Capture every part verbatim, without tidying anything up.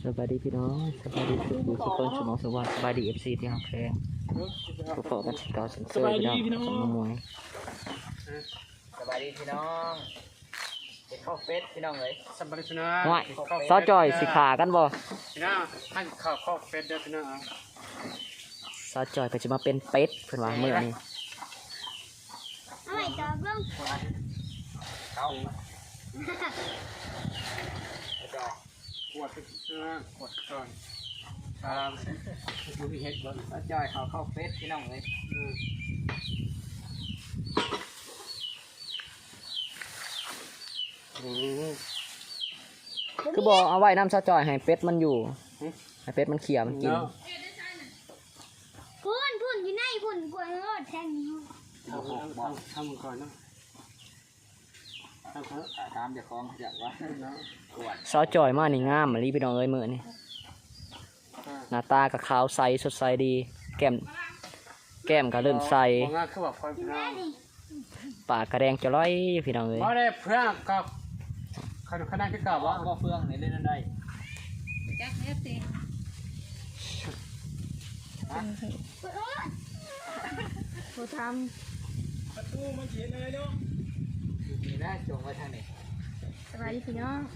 สบายดีพี่น้องสบายดีทุกทุกคนสมองสวัสดิ์สบายดีเอฟซีที่ฮักแพงผู้ปกกันเก่าสันเสริญพี่น้องสมมวยสบายดีพี่น้องเป็นข้าวเป็ดพี่น้องเลยสบายดีพี่น้องว่าซอจอยสิขากันบ่พี่น้องท่านข้าวข้าวเป็ดเด้อพี่น้องซอจอยก็จะมาเป็นเป็ดเพิ่นว่ามื้อนี้เอาไว้ต่อเบิ่งเข้าขวดเนื้อขวดก่อนครับดูพี่เฮ็ดบ่ซอจอยข้าวข้าวเป็ดพี่น้องเลยคือบอกเอาไว้น้ำซอจอยให้เป็ดมันอยู่ให้เป็ดมันเขี่ยมันกินพุ่นพุ่นอยู่ในพุ่นพุ่นรถแทงทำทำทำก่อนเนาะทำเขาตามจากของจากว่าเนาะซอจอยมานี่งามมาลีพี่น้องเอ้ยมื้อนี้หน้าตาก็ขาวใสสดใสดีแก้มแก้มก็เริ่มใสปากกระแดงจะร้อยพี่น้องเอ้ยบ่ได้เพื่อนกับขนาดขนาดที่เก่าว่าบ่เฟืองนี่เล่นนั่นได้แจ็คเอฟซีผู้ทำประตูมันเขียนอะไรเนาะนี่นะจงไว้ทางนี้สบายดีพี่น้อง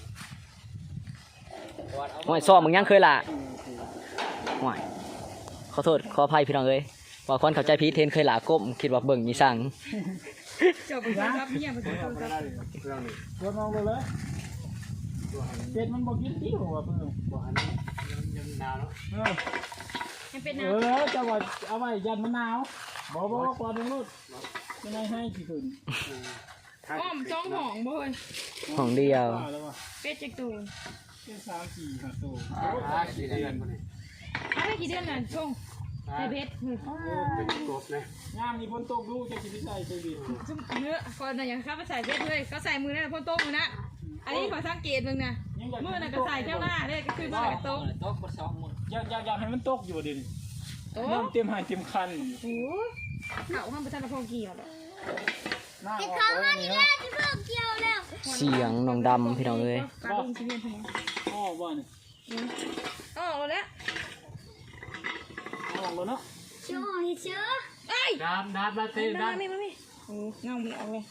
หอยซ้อมมึงยังเคยล่ะหอยขอโทษขออภัยพี่น้องเอ้ยว่าคนเข้าใจผิดเทนเคยล่ะก้มคิดว่าเบิ่งมีสั่งจบไปครับเนี่ยมันจะต้องครับตัวมองเลยเป็ดมันบอกกินที่หัวเพื่อนบอกอันนี้ยังหนาวเนาะยังเป็นหนาวเออจะว่าเอาไว้ยันมันหนาวบอกบอกก่อนนู้นยังไงให้กี่คืนอ้อมจ้องห้องบ่อยห้องเดียวเป็ดจิกตูนเป็นสามสี่ห้าตัวห้าสี่เดือนอะไรกี่เดือนน่ะช่วงไอเบ็ดเป็นกบเลยงามมีพ้นโต๊ะดูจะกินใส่ใส่ดิเนื้อก่อนน่ะอย่างข้าไปใส่เบ็ดเลยก็ใส่มือนั่นพ้นโต๊ะมือนะอันนี้ขอสังเกตมึงนะมือน่ะก็ใส่เท่าหน้าเลยก็คือมือกับโต๊ะโต๊ะบนสองมืออยากอยากอยากให้มันตกอยู่ดิน้ำเต็มหายเต็มคันโอ้เขาห้ามประทานพงเกี่ยวหรอจะเข้ามานี่นะจะเพิ่มเกี่ยวแล้วเสียงน้องดำพี่น้องเอ้ยอ๋อบ้านอ๋อแล้วอ๋อแล้วเนาะเชื่อเชื่อเอ้ยดำดำมาเต้นดำไม่ไม่ไม่โอ้เงาไม่เอาเลย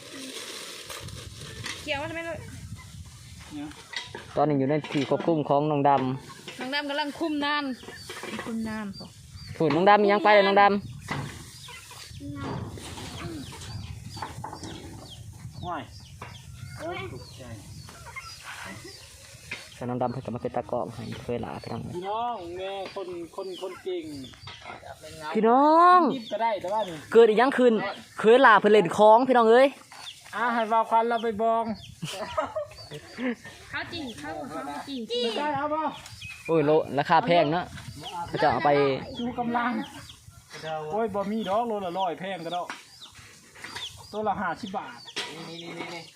เกี่ยวทำไมเลยตอนนี้อยู่ในที่ควบคุมของน้องดำน้องดำกำลังคุมน้ำคุมน้ำฝุ่นน้องดำยังไปเลยน้องดำว้ายส่วนน้องดำเพิ่งกลับมาเป็นตะกอบให้เคยหลาพี่น้องพี่น้องแม่คนคนคนเก่งพี่น้องก็ได้แต่ว่านี่เกิดอีกยังคืนเคยหลาเพื่อเล่นคล้องพี่น้องเอ้ยอ่าให้วาวควันเราไปบองข้าวจริงข้าวข้าวจริงจริงได้เอาป่ะโอ้ยโลราคาแพงเนาะจะเอาไปดูกำลังโอ้ยบะหมี่ดอกโลละร้อยแพงก็ได้ตัวละห้าสิบบาทนี่นี่นี่นี่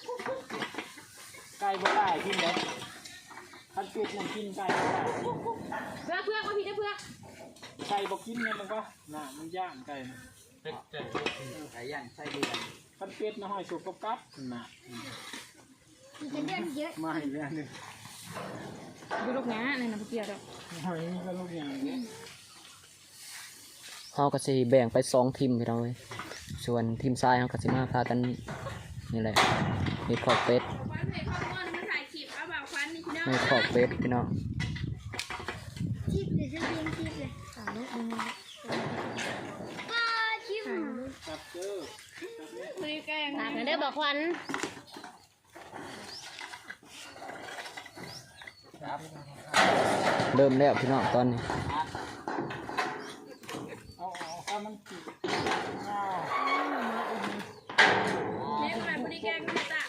ไก่บ่ได้กินเลยคันเป็ดมันกินไก่เพื่อเพื่อมาพี่ได้เพื่อไก่บอกกินเนี่ยมันก็น่ะมันย่างไก่เป็ดเป็ดไก่ย่างไส้เดือนคันเป็ดนะหอยสุกกับกับน่ะมันจะเดือนเยอะมาอีกแล้วนึงดูลูกหน้าในน้ำเกลือดอกหอยนี่ก็ลูกอย่างนี้เขาก็สิแบ่งไปสองทีมพี่น้องเลยส่วนทีมทรายเขาก็สิมาพากันนี่แหละมีขอบเป็ดมีขอบเป็ดพี่น้องชิปเลยจะเลี้ยงชิปเลยสามลูกนึงป้าชิปจับเจอคุยแกงถามกันได้บอกควันเริ่มแล้วพี่น้องตอนนี้เอาเอามันติดเลี้ยงแบบพอดีแกงไม่ตะ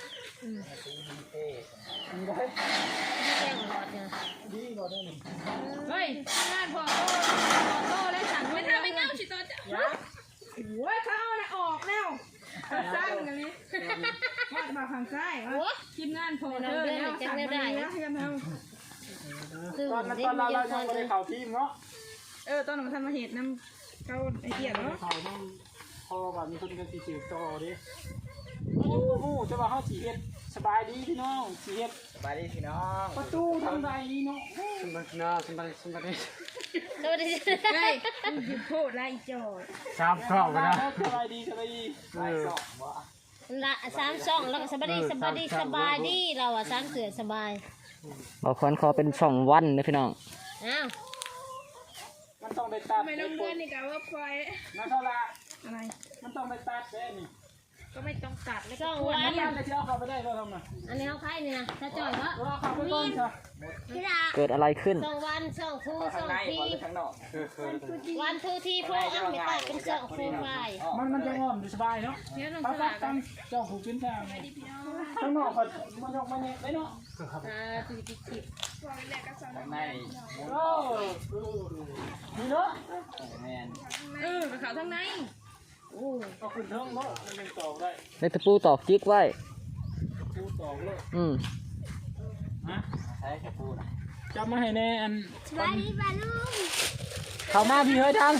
เฮ้ยงานพอโตพอโตแล้วสั่งไม่ทำไม่เงาสิตอนจะโอ้ยเขาเอาออกแล้วสร้างกันเลยมามาทางซ้ายทีมงานพอเธอแล้วสั่งมาแล้วให้กันเอาตอนตอนเราเรายังไม่ได้เข่าทีมเนาะเออตอนนั้นท่านมาเห็นน้ำเขาไอเดียเนาะเข่าน้ำพอแบบมีคนกันสีเขียวต่อดิโอ้โหจะว่าเฮาสิเฮ็ดสบายดีพี่น้องสิเฮ็ดสบายดีพี่น้องประตูทางใดนี่เนาะสบายดีสบายดีสบายดีสวัสดีเฮ้ยอยู่พูดไรจอดสามข้อกันนะสบายดีสบายดีสบายสองบ่ละสามสองแล้วก็สบายดีสบายดีสบายดีเราอ่ะสามเสือสบายบอกคนขอเป็นสองวันนะพี่น้องอ้าวมันต้องได้ตัดไม่ต้องเลื่อนนี่กับว่าพลอยนั่นเท่าละอะไรมันต้องได้ตัดแน่นี่ก็ไม่ต้องตัดไม่ต้องวัอันนนี้จะเอาเข้าไปได้บ่ทำน่ะอันนี้เขาใครนี่นะถ้าจ่อยก็เอาเข้าไปก่อนซะพี่ดาเกิดอะไรขึ้นสองวันสองคู่สองทีข้างนอกวันทูทีโฟร์อัพไม่ตัดเป็นสองคู่ไฟมันมันจะงอมสบายเนาะเดี๋ยวลงปัสกปัลาก กกันเจ้าผูกขึ้นทางข้างนอกก็มันยกมาเนี่ยได้เนาะอ่าคือจิตจิตในโอ้นี่เนาะแมนเออไปเขาทางในโอ้ก็ขึ้นเทิงเนาะมันเป็นตอกได้ในตะปูตอกจิกไว้ปูตอกเลยอืมฮะใช้ตะปูนะจับมาให้แน่อันสบายดีป่ะลุงเข้ามาพี่เฮ้ยทาง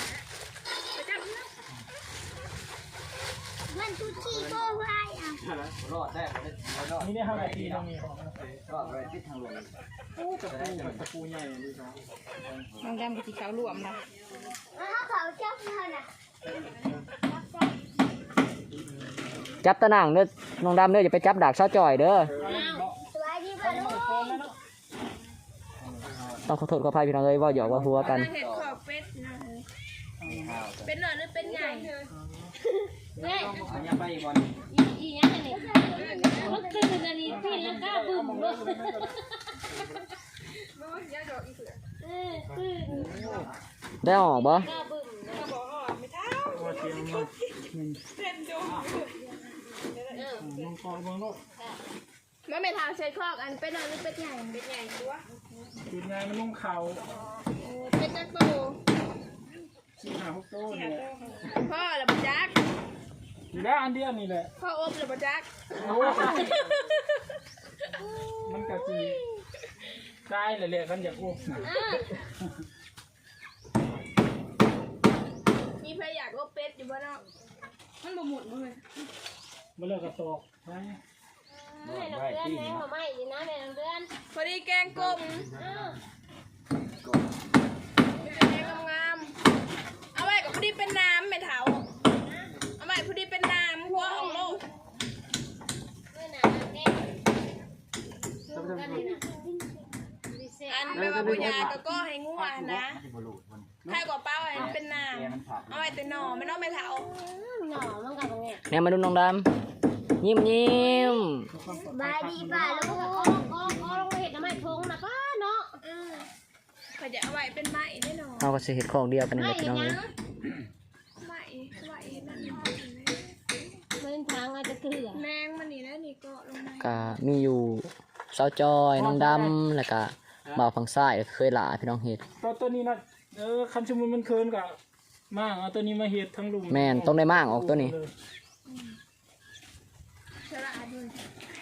วันทูทีโฟร์ไฟอ่ะรอดได้รอดนี่เนี่ยห้านาทีตรงนี้รอดไปทิศทางลมโอ้ตะปูกับตะปูใหญ่ดีจังน้องดำกับสีขาวรวมนะจับตะนางเด้อน้องดำเด้ออย่าไปจับดากเสาจ่อยเด้อสบายดีป่ะลุงต้องขอโทษขออภัยพี่น้องเลยว่าหยอกว่าหัวกันเห็ดขอบเป็ดนะเป็นหน่อยหรือเป็นใหญ่เนี่ยอันนี้ไปอีกวันอีอีอย่างนี้มันตื่นอันนี้พี่แล้วก้าวบึ้มเลยเออตื่นได้ออกบ่ก้าวบึ้มตัวเสียงมันลงคอลงโลกมันไม่ทางเช็ดคอกอันเป็นหน่อยหรือเป็นใหญ่เป็นใหญ่ตัวจุดไงมันลงเข่าเป็นจักรโตสี่ห้าหกโต้เนี่ยพ่อหรือปจักอยู่แล้วอันเดียวนี่แหละพ่ออบหรือปจักโอ้มันกะจีได้เลยแหละกันอยากอ้วกมีใครอยากอบเป็ดอยู่บ้านอกมันบ่หมุนเลยมาเลิกกระตอกไปแม่น้องเดือนแม่หัวไหม้ดีนะแม่น้องเดือนพอดีแกงกลมแกงงามๆเอาไว้กับพอดีเป็นน้ำแม่เถาเอาไว้พอดีเป็นน้ำหัวของลูกอันไม่ว่าปุญญาก็ก็ให้งัวนะใครกว่าเป้าไอ้เป็นน้ำเอาไว้แต่หน่อไม่ต้องแม่เถาหน่อมันกับเงี้ยเนี่ยมาดูน้องดำยิ้มยิ้มบายดีป่ะลูกโอ้โอ้โอ้ลงเห็ดน้ำไม้ทงนะป้าเนาะเขาจะเอาไว้เป็นไม้แน่นอนเอาก็สิเห็ดของเดียวกันนี่แหละพี่น้องเลยไม้ไม้นั่นมันทางอาจจะเกลือแมงมันนี่นะนี่ก็ลงมาก็มีอยู่เสาจอยน้องดำแล้วก็บ่าวฝั่งซ้ายเคยหลาพี่น้องเห็ดตัวตัวนี้นะเออคันชมุนมันเคินกับมากเอาตัวนี้มาเห็ดทั้งลุมแม่นต้องได้มากออกตัวนี้ฉลาดด้วย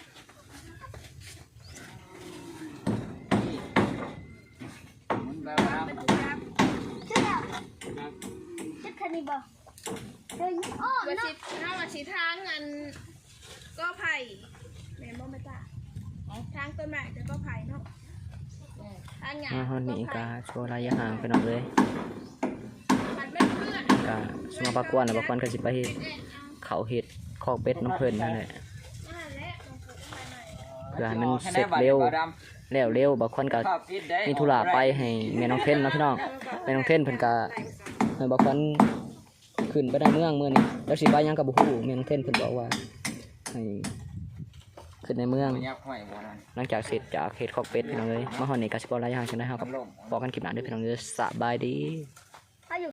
จะคันนี้บ่เดินอ้อมเนาะถ้ามาชี้ทางอันก็ไผ่แม่บ่ไม่ตาทางต้นไม้จะก็ไผ่เนาะทางหญ้ามาฮอนนี้ก็โชว์ระยะห่างพี่น้องเลยมันไม่เพื่อนก็สมาปากวนน่ะบ่ควรก็สิไปเฮ็ดเขาเฮ็ดคอกเป็ดน้ำเพิ่นนั่นแหละนั่นแหละมันคือต้นไม้เพื่อให้มันเสร็จเร็วแล้วเร็วบางคนก็มีธุระไปให้แม่น้องเทนเนาะพี่น้องแม่น้องเทนเพิ่นก็ให้บางคนขึ้นไปในเมืองมื้อนี้แล้วสิไปหยังก็บ่ฮู้แม่น้องเทนเพิ่นบอกว่าให้ขึ้นในเมืองหลังจากเสร็จจากเฮ็ดคอกเป็ดพี่น้องเอ้ยมาฮอดนี่ก็สิบ่หลายอย่างจังได๋เฮาก็บอกกันคลิปหน้าเด้อพี่น้องเด้อสบายดี